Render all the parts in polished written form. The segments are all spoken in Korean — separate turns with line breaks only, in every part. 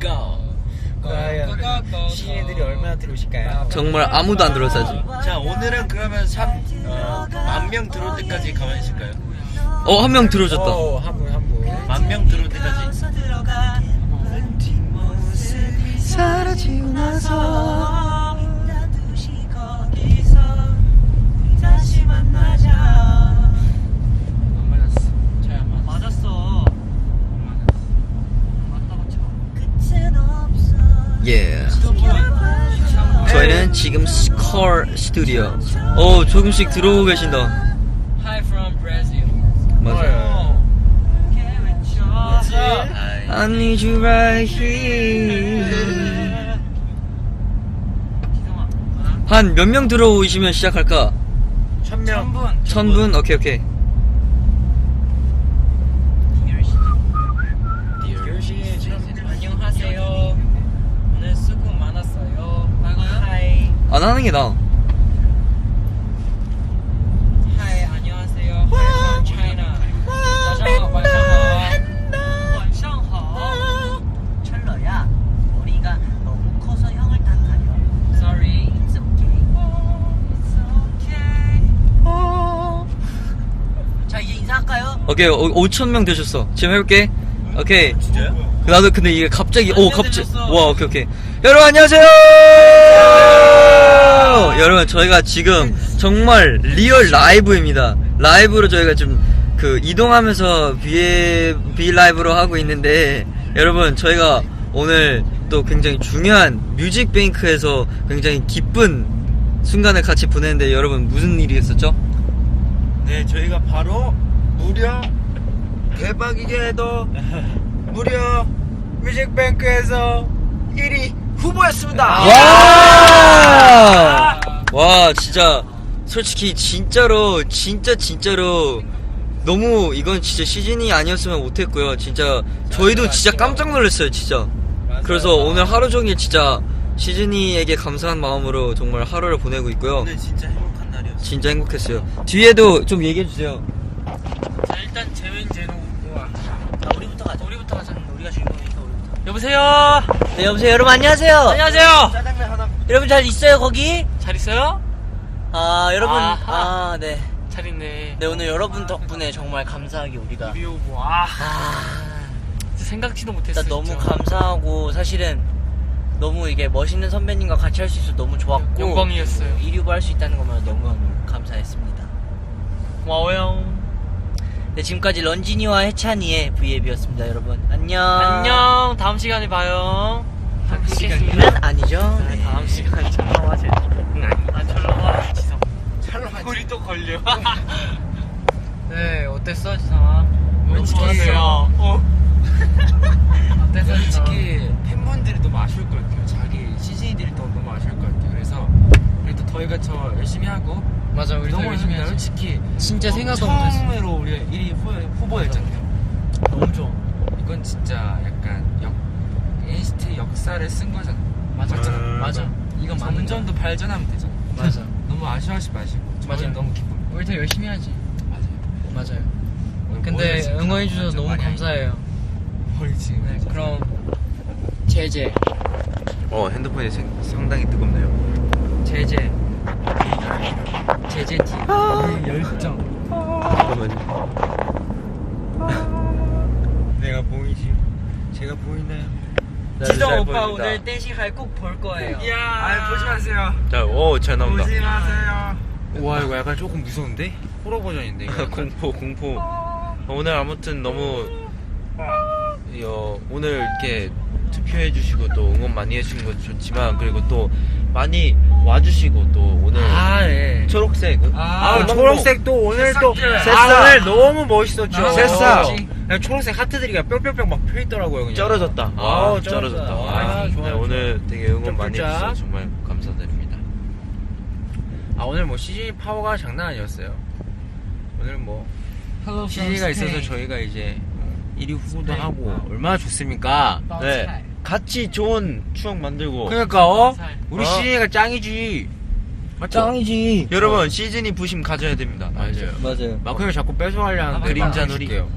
과연 시인들이 얼마나 들어오실까요?
정말 아무도 안 들어왔어야지.
자, 오늘은 그러면 10,000명 들어올 때까지 가만히 있을까요?
한 명 들어오셨다.
한 분.
10,000명 들어올 때까지.
사라지고 나서 예. 저희는 지금 스컬 스튜디오. 조금씩 들어오고 계신다.
Hi from Brazil.
맞아요. I need you right here. 한 몇 명 들어오시면 시작할까?
1,000명.
1,000분? 오케이.
안녕하세요. 오늘 수고 많았어요. 하이.
안 하는 게 나아.
하이 안녕하세요. Hi from China. 早上好，晚上好。晚上好。
철러야, 머리가 너무 커서 형을 탓하려.
Sorry.
It's okay. 자, 이제 인사할까요?
오케이. 5,000명 되셨어. 지금 해볼게. 오케이.
진짜요?
나도 근데 이게 갑자기 와 오케이. 여러분 안녕하세요. 여러분 저희가 지금 정말 리얼 라이브입니다. 라이브로 저희가 좀 그 이동하면서 B 라이브로 하고 있는데 여러분 저희가 오늘 또 굉장히 중요한 뮤직뱅크에서 굉장히 기쁜 순간을 같이 보냈는데 여러분 무슨 일이 있었죠?
네, 저희가 바로 무려 대박이게도 무려 뮤직뱅크에서 1위 후보였습니다.
와 진짜 솔직히 진짜로 너무 이건 진짜 시즌이 아니었으면 못했고요. 진짜 저희도 진짜 깜짝 놀랐어요 진짜. 그래서 오늘 하루 종일 진짜 시즌이에게 감사한 마음으로 정말 하루를 보내고 있고요.
오늘 진짜 행복한 날이었어요.
진짜 행복했어요. 뒤에도 좀 얘기해주세요.
자 일단 재민 제노 우와.
우리부터 가자.
우리부터 가자.
우리가 주인공이니까 우리부터.
여보세요.
네, 여보세요. 여러분 안녕하세요.
안녕하세요.
짜장면 하나.
여러분 잘 있어요 거기?
잘 있어요?
여러분.
아하.
네.
잘 있네.
네, 오늘 여러분 덕분에 정말 감사하게 우리가.
우리 오고 진짜 생각지도 못했어.
일단 너무
진짜.
감사하고 사실은 너무 이게 멋있는 선배님과 같이 할 수 있어서 너무 좋았고
영광이었어요.
1위 후보 할 수 있다는 것만 너무 감사했습니다.
고마워요.
네, 지금까지 런진이와 해찬이의 V앱이었습니다. 여러분 안녕.
안녕. 다음 시간에 봐요.
다음 시간은 아니죠.
네, 다음 시간에 촬영하지. 촬영하. 지성. 우리 또 걸려. 네, 어땠어, 지성아?
솔직히
어땠어,
솔직히 팬분들이 너무 아쉬울 것 같아요. 자기 시즌이들이 너무 아쉬울 것 같아요. 그래서 그래도 저희가 더 열심히 하고
맞아, 우리
너무
열심히
열심히
하지.
솔직히
진짜 생각도 못했어.
처음으로 우리가 1위 후보였잖아요.
너무 좋아.
이건 진짜 약간 NCT 역사를 쓴 거잖아. 맞잖아.
맞아. 이건 맞는
점점 더 발전하면 되잖아.
맞아.
너무 아쉬워하지 마시고.
맞아요.
저는 너무 기쁩니다.
우리 더 열심히 하지.
맞아요.
맞아요.
오늘
근데
머리가 지금
응원해주셔서
완전
너무
많이
감사해요.
머리 지금.
네, 그럼 제제.
핸드폰이 상당히 뜨겁네요.
제제 제제 티. 열정.
잠깐만요.
내가 보이지? 제가 보이나요?
지성 오빠 오늘 댄싱할 꼭 볼 거예요.
보지 마세요.
자, 잘 나온다.
보지 마세요. 와, 이거 약간 조금 무서운데? 호러 버전인데 이거.
공포. 오늘 아무튼 너무 오늘 이렇게 투표해주시고 또 응원 많이 해주신 거 좋지만 그리고 또 많이 와주시고 또 오늘
네.
초록색
초록색 또 오늘 또
새싹.
오늘 너무 멋있었죠.
새싹.
그냥 초록색 하트들이 뿅뿅뿅 막 펴있더라고요. 그냥.
쩔어졌다. 쩔어졌다.
아, 좋아요.
네, 오늘 되게 응원 많이
좀
해주셔서
쫄짝.
정말 감사드립니다.
오늘 뭐 CG 파워가 장난 아니었어요. 오늘 뭐 CG가 있어서 저희가 이제 1위 후보도 하고 얼마나 좋습니까?
네, 같이 좋은 추억 만들고.
그러니까 우리
어?
CG가 짱이지. 맞죠?
짱이지.
여러분 시즌이 부심 가져야 됩니다.
맞아요.
맞아요.
마크 형이 자꾸 뺏어가려 하는데
그림자
막아줄게요.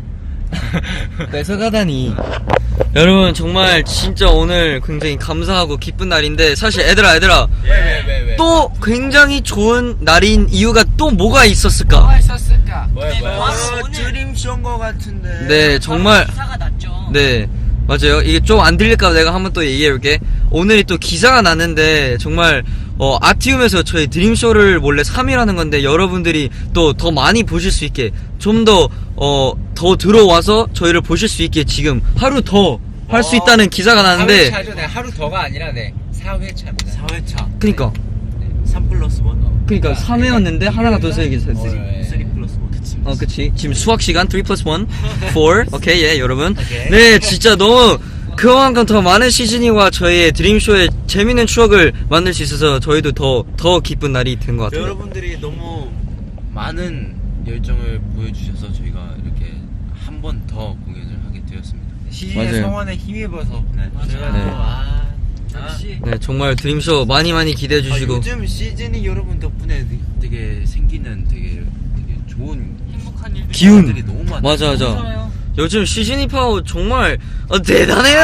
뺏어가다니. 여러분 정말 진짜 오늘 굉장히 감사하고 기쁜 날인데 사실 얘들아
왜?
또 굉장히 좋은 날인 이유가 또 뭐가 있었을까?
뭐야? 드림쇼인 거 같은데.
네 정말
기사가 났죠.
네 맞아요. 이게 좀 안 들릴까 봐 내가 한번 또 얘기해볼게. 오늘이 또 기사가 났는데 정말 아티움에서 저희 드림쇼를 원래 3일 하는 건데 여러분들이 또 더 많이 보실 수 있게 좀 더 들어와서 저희를 보실 수 있게 지금 하루 더 할 수 있다는 기사가 나는데
4회차죠. 네, 하루 더가 아니라 4회차입니다.
4회차
그니까
3+1
그니까 3회였는데 하나가 더 세게 됐어.
3+1
그치. 지금 수학 시간 3+1 4 오케이 예 여러분
오케이.
네 진짜 너무 그만큼 더 많은 시즈니와 저희의 드림쇼의 재밌는 추억을 만들 수 있어서 저희도 더 기쁜 날이 된 것 같아요.
여러분들이 너무 많은 열정을 보여주셔서 저희가 이렇게 한 번 더 공연을 하게 되었습니다.
시즌의
맞아요.
성원에 힘입어서 저희가
네.
또
역시
네 정말 드림쇼 많이 기대해 주시고
요즘 시즌이 여러분 덕분에 되게 생기는 되게 좋은
행복한 일들.
기운
일들이 너무 많아요.
맞아
좋아요.
요즘 시즈니 파워 정말 대단해요.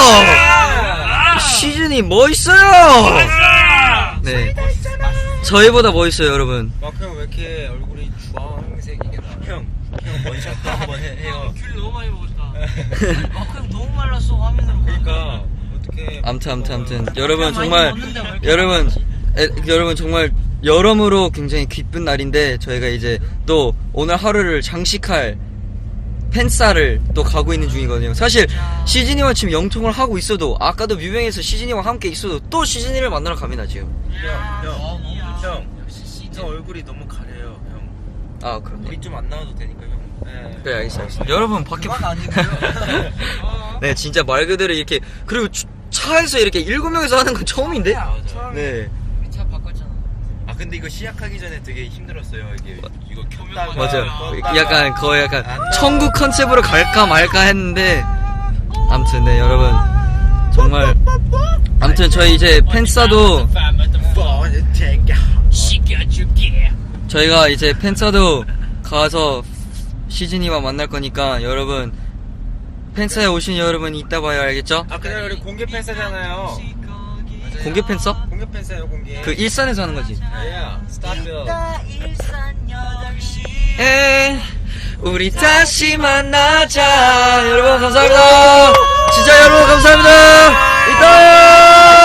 시즈니 멋있어요. 네 저희보다 멋있어요 여러분.
마크 왜 이렇게 얼굴이 주황색이게 나?
형 원샷도 한번 해요.
귤 너무 많이 먹었다. 형 너무 말랐어 화면으로.
그러니까 어떻게?
암튼 여러분 정말 여러분 정말 여러모로 굉장히 기쁜 날인데 저희가 이제 또 오늘 하루를 장식할 팬싸를 또 가고 있는 중이거든요. 사실 시즈니와 지금 영통을 하고 있어도 아까도 뮤뱅에서 시즈니와 함께 있어도 또 시즈니를 만나러 갑니다 지금.
형 얼굴이 너무 가려요, 형.
아 그럼요.
우리 좀 안 나와도 되니까 형.
네.
그래 알겠어. 여러분 밖에
아닌데요?
네 진짜 말 그대로 이렇게 그리고 차에서 이렇게 7명이서 하는 건 처음인데. 네
차 바꿨잖아.
아 근데 이거 시작하기 전에 되게 힘들었어요. 이거 켰다가
맞아요.
껐다가
약간 거의 약간 천국 컨셉으로 갈까 말까 했는데 아무튼 네 여러분 정말 아무튼 저희 이제 팬싸도 저희가 이제 팬싸도 가서 시즈니와 만날 거니까 여러분 팬싸에 오신 여러분 이따 봐요 알겠죠?
아 그날 우리 공개 팬싸잖아요.
공개 팬싸?
공개 팬싸요 공개.
그 일산에서 하는 거지.
스타필.
에 우리 다시 만나자 여러분 감사합니다. 진짜 여러분 감사합니다. 이따